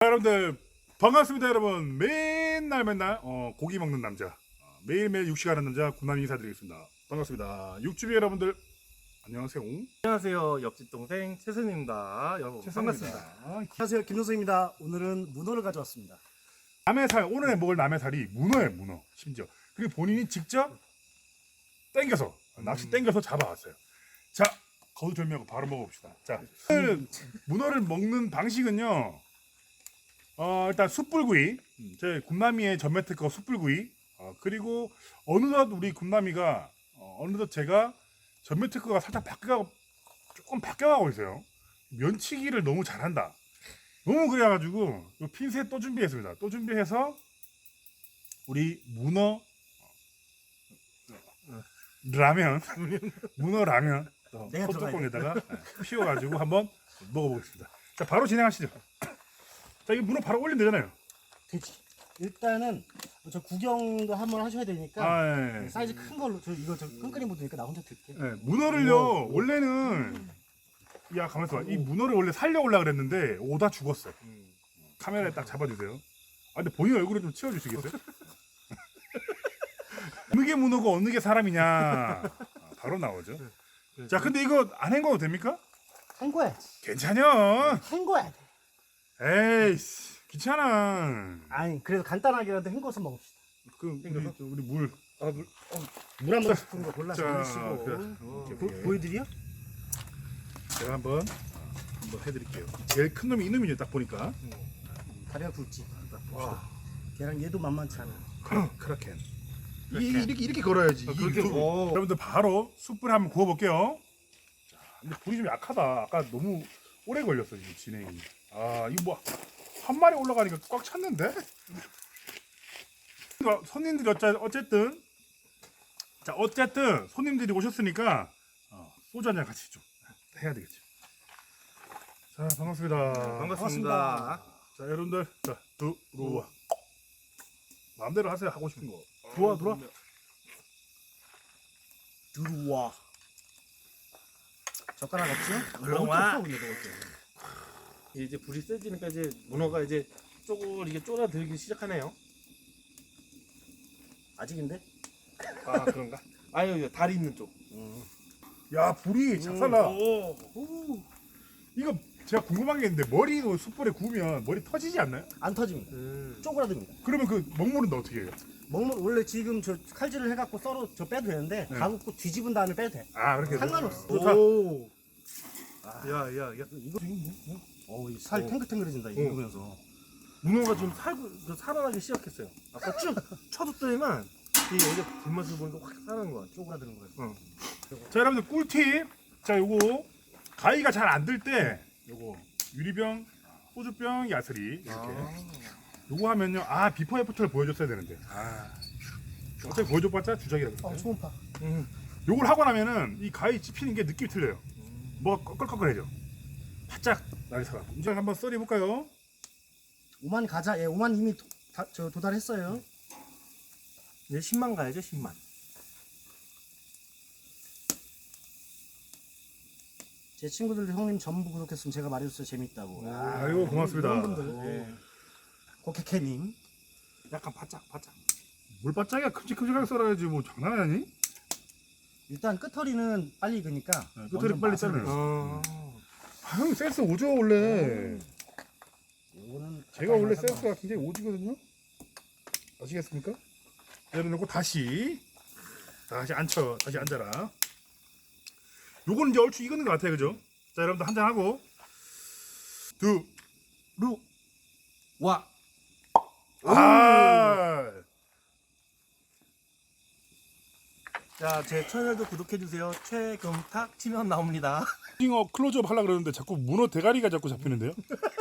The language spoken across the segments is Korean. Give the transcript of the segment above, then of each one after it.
여러분들 반갑습니다. 여러분 맨날 고기 먹는 남자, 매일매일 육식하는 남자 군남이 인사드리겠습니다. 반갑습니다. 육주비 여러분들 안녕하세요. 안녕하세요. 옆집 동생 최선입니다. 여러분 반갑습니다. 안녕하세요, 김효성입니다. 오늘은 문어를 가져왔습니다. 남해살, 오늘 먹을 남해살이 문어예요. 문어. 심지어 그리고 본인이 직접 땡겨서 낚시 땡겨서 잡아왔어요. 자, 거두절미하고 바로 먹어봅시다. 자, 오늘 문어를 먹는 방식은요, 일단 숯불구이, 제 군남이의 전매 특허 숯불구이, 그리고 어느덧 우리 군남이가 어느덧 제가 전매 특허가 살짝 조금 바뀌어가고 있어요. 면치기를 너무 잘한다. 너무 그래가지고 요 핀셋 또 준비했습니다. 또 준비해서 우리 문어 라면, 문어 라면 소뚜껑에다가 피워가지고 한번 먹어보겠습니다. 자, 바로 진행하시죠. 자, 이 문어 바로 올리면 되잖아요. 되지. 일단은 저 구경도 한번 하셔야 되니까 예. 사이즈 큰 걸로 이거 끈끈이 묻으니까 나 혼자 들게. 예, 문어를요 원래는 가만있어 봐. 이 문어를 원래 살려오려고 그랬는데 오다 죽었어. 카메라에 딱 잡아주세요. 근데 본인 얼굴을 좀 치워주시겠어요? 어느 게 문어고 어느 게 사람이냐 바로 나오죠. 자, 근데 이거 안 헹궈도 됩니까? 헹궈야지. 괜찮여. 헹궈야 돼. 에이씨 귀찮아. 아니 그래도 간단하게라도 헹궈서 먹읍시다. 우리 물. 물 한 번 스푼 거 골라서 자, 넣으시고. 그래. 보여드려? 제가 한번 해드릴게요. 제일 큰 놈이 이놈이죠. 딱 보니까. 다리가 굵지. 와, 걔랑 얘도 만만치 않아. 크라켄. 이렇게 걸어야지. 그렇게 여러분들 바로 숯불에 한번 구워볼게요. 자, 근데 불이 좀 약하다. 아까 너무 오래 걸렸어 지금 진행이. 이거 뭐 한 마리 올라가니까 꽉 찼는데? 손님들이 어쨌든 손님들이 오셨으니까 소주 한잔 같이 좀 해야 되겠죠. 자, 반갑습니다. 반갑습니다. 자, 여러분들, 자, 들어와. 마음대로 하세요. 하고 싶은 거. 들어와. 들어와. 젓가락 없지? 들어와. 먹을 게 없어, 근데 먹을 게. 이제 불이 세지니까 이제 문어가 이제 이게 쫄아들기 시작하네요. 아직인데? 아 그런가? 아유 다리 있는 쪽. 야, 불이 작살나. 오. 이거 제가 궁금한 게 있는데 머리도 숯불에 구우면 머리 터지지 않나요? 안 터집니다. 쪼그라듭니다. 그러면 그 먹물은 어떻게 해요? 먹는 원래 지금 저 칼질을 해갖고 썰어 저 빼도 되는데 네. 가갖고 뒤집은 다음에 빼도 돼. 그렇게 상관없어. 좋다. 오. 야야야. 이거 이 살 탱글탱글해진다 이거 보면서. 문어가 좀 살아나기 시작했어요. 아까 쭉 쳐줬더니만 여기가 불맛을 보니까 확 살아나는 거야. 쪼그라드는 거예요. 자, 여러분들 꿀팁. 자, 요거 가위가 잘 안 들 때 요거 유리병, 소주병, 야스리 이렇게 요거 하면요. 비포 애프터를 보여줬어야 되는데. 어차피 보여줘봤자 주작이라고. 초음파. 요걸 하고 나면은 이 가위 찝히는 게 느낌이 틀려요. 뭐가 꺼끌꺼끌해져. 바짝 날이 살아갖고. 이제 한번 썰어볼까요? 5만 가자. 5만 이미 도달했어요. 이제 10만 가야죠 10만. 제 친구들 형님 전부 구독했으면 제가 말해줬어요. 재밌다고. 아이고, 고맙습니다. 이런 분들. 고케케님. 약간 바짝. 물 바짝이야. 큼직큼직하게 썰어야지. 뭐 장난 아니? 일단 끝허리는 빨리 익으니까. 끝허리 먼저 빨리 맛을 자르요. 형 센스 오죠 원래. 요거는 제가 원래 가까이 가서 센스가 굉장히 오지거든요. 아시겠습니까? 내려놓고 다시 앉아라. 요거는 이제 얼추 익은 것 같아요, 그죠? 자, 여러분들 한잔 하고 와. 자, 제 채널도 구독해주세요. 최금탁 치면 나옵니다. 잉어 클로즈업 하려고 그러는데 자꾸 문어 대가리가 자꾸 잡히는데요?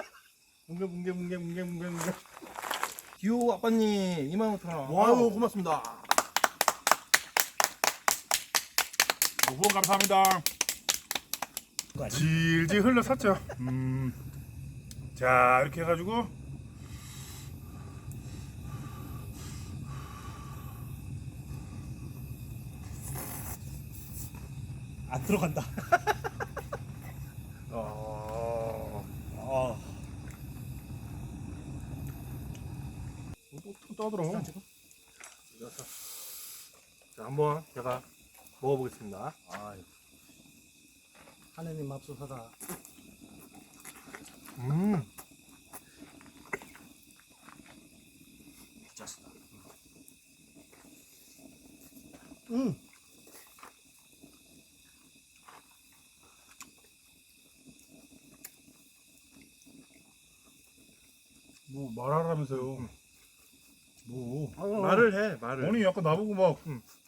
뭉개. 귀여워 아빠님 25,000원. 와우. 고맙습니다. 후원 감사합니다. 질질 흘러섰죠. 자, 이렇게 해가지고 안 들어간다. 떠들어. 자, 한번 제가 먹어보겠습니다. 아, 하느님 맙소사다. 미쳤다. 뭐 말하라면서요. 뭐. 말을 해, 말을. 아니 약간 나보고 막.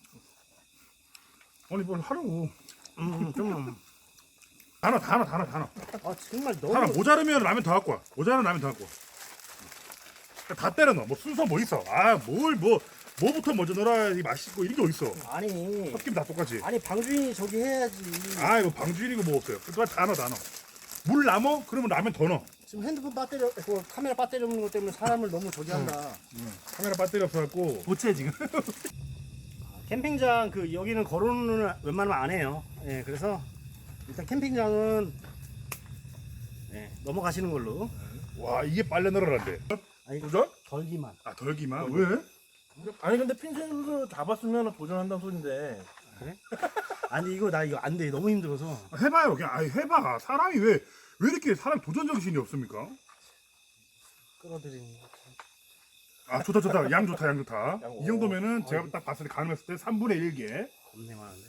아니 뭘 하라고. 좀. 다 넣어. 아, 정말 다 넣어. 너무. 모자르면 라면 더 갖고 와. 모자르면 라면 더 갖고 와. 다 때려 넣어. 뭐 순서 뭐 있어? 아, 뭐부터 먼저 넣어야 맛있고 이런 게 어딨어? 아니, 섞이면 다 똑같이. 아니, 방주인이 저기 해야지. 아, 이거 방주인이고 뭐 없어요. 다 넣어. 물 남어? 그러면 라면 더 넣어. 지금 핸드폰 배터리, 그 카메라 배터리 없는 것 때문에 사람을 너무 저기 한다. 카메라 배터리 없어갖고. 보채 지금. 캠핑장 그 여기는 거론을 웬만하면 안 해요. 예, 그래서 일단 캠핑장은 넘어가시는 걸로. 와, 이게 빨래 넣으라는데. 아니, 도전? 덜기만. 아, 덜기만? 왜? 아니 근데 핀셋으로 잡았으면 도전한다는 소린데. 아니 이거 나 이거 안 돼. 너무 힘들어서. 해봐요. 그냥 해봐. 사람이 왜 이렇게 사람 도전 정신이 없습니까? 끌어들이는 거. 아, 좋다. 양 좋다. 양, 이 정도면은 제가 딱 봤을 때 가늠했을 때 3분의 1개. 겁내 많은데.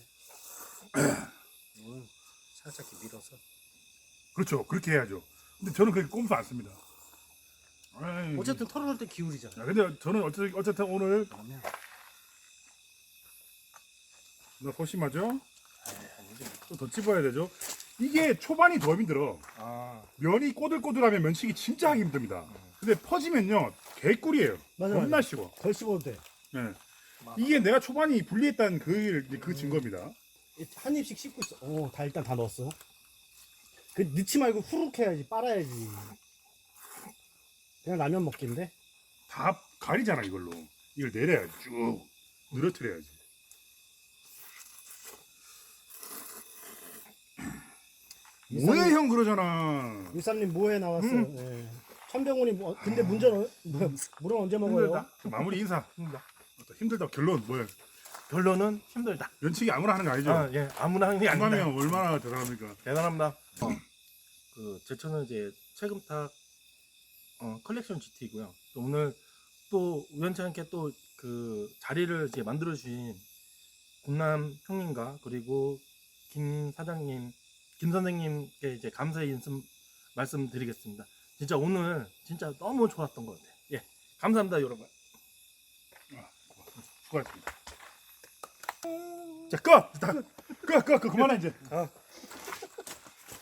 이건 살짝 이렇게 밀어서. 그렇죠. 그렇게 해야죠. 근데 저는 그렇게 꼼수 안 씁니다. 아이, 어쨌든 털어놓을 때 기울이잖아. 야, 근데 저는 어쨌든 오늘 그러면 나 소심하죠? 또 더 찝어야 되죠? 이게 초반이 더 힘들어. 아. 면이 꼬들꼬들하면 면치기 진짜 하기 힘듭니다. 근데 퍼지면요 개꿀이에요. 맞아, 겁나 쉬워. 덜 씹어도 돼. 예. 이게 내가 초반이 불리했다는 그 증거입니다. 한 입씩 씹고 있어. 오, 다 일단 다 넣었어. 그 넣지 말고 후룩 해야지. 빨아야지. 그냥 라면 먹기인데. 다 가리잖아 이걸로. 이걸 내려야지 쭉 늘어뜨려야지. 뭐해 형 그러잖아. 유삼님 뭐해 나왔어. 예. 천병훈이 뭐 근데 물은 언제 먹어요? 힘들다. 마무리 인사. 힘들다. 결론 뭐야? 결론은 힘들다. 면치기 아무나 하는 거 아니죠? 아, 예, 아무나 하는 게 아니다. 한가면 얼마나 대단합니까? 대단합니다. 제 차는 이제 최금탁 컬렉션 GT이고요. 또 오늘 또 우연치 않게 또 그 자리를 이제 만들어 주신 군남 형님과 그리고 김 사장님, 김 선생님께 이제 감사의 말씀드리겠습니다. 진짜 오늘 진짜 너무 좋았던 것 같아요. 예, 감사합니다, 여러분. 수고하셨습니다. 자, 꺼! 그만해 이제.